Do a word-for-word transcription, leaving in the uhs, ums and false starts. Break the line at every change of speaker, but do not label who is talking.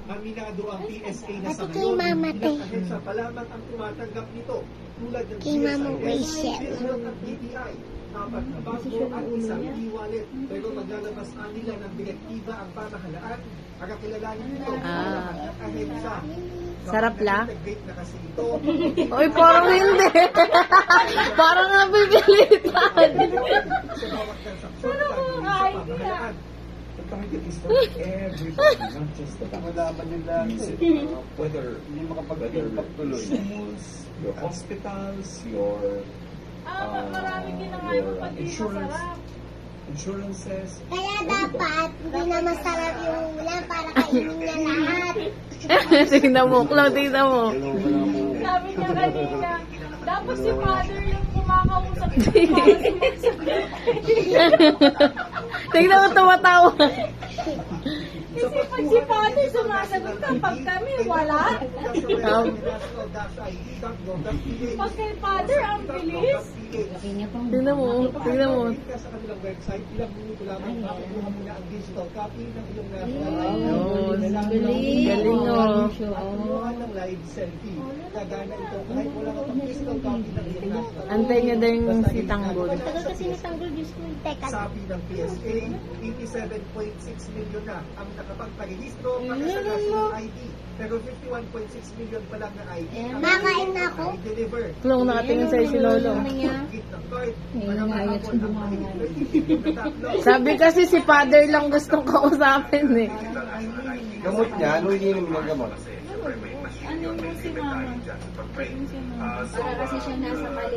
Aminado ang P S A na sa
Pati kay
ngayon,
Mama
ilang
Tay.
ahensya pa lamang ang tumatanggap nito. Tulad ng
Kay Mama
G S I S,
Rachel.
PhilHealth at B P I. Apat na bangko at isang e-wallet. Pero maglalabas nila ng direktiba ang pamahalaan. Pagkakilalanin ito
Ah.
ang ahensya.
Sarap lang.
Integrate na kasi ito.
Uy, parang hindi. Parang napipilitan.
Sa bawat transaksyon, gagawin sa pamahalaan.
The target is for everybody, not just the malaman nila uh, whether hindi makapag-impact tuloy. Schools, your hospitals, your
Ah, marami din na nga
your
yung
uh,
pag-ibig
insurance,
masarap.
insurances.
Kaya dapat, hindi na masarap yung ulam para kainin niya lahat.
Tingnan mo, Cloud, tingnan mo.
Hello, wala mo.
Sabi niya kanina, dapat si father yung kumakausap niya para sumasagot.
Tingnan mo, tumatawa.
Kasi pag si father sumasagot kapag kami, wala. Pag kay father, ang bilis.
Tingnan mo, tingnan mo.
Sa kanilang website, ilang minuto lamang makukuha mo na ang digital copy ng iyong
Ayun.
Galing.
Galing, oh.
At kumuha ng live selfie. Kagana ito kahit wala ka pang digital copy ng iyong national.
Antay niya daw yung si Tanggol.
Tagal kasi natanggol yung school. Teka.
Sabi ng P S A, eighty-seven point six million na ang nakapagparehistro para sa national I D. Pero fifty-one point six million pa lang na I D. ang
Makain na ako.
i-deliver.
Klong, nakatingin sa'yo si Lolo.
Git ng card, walang hapon ang mahigit na tatlo.
Sabi kasi si father lang gustong kausapin eh.
Gamot niya, ano iniinom ng gamot?
Ano mo si mama? Yung si mama.
Para kasi siya nasa mali.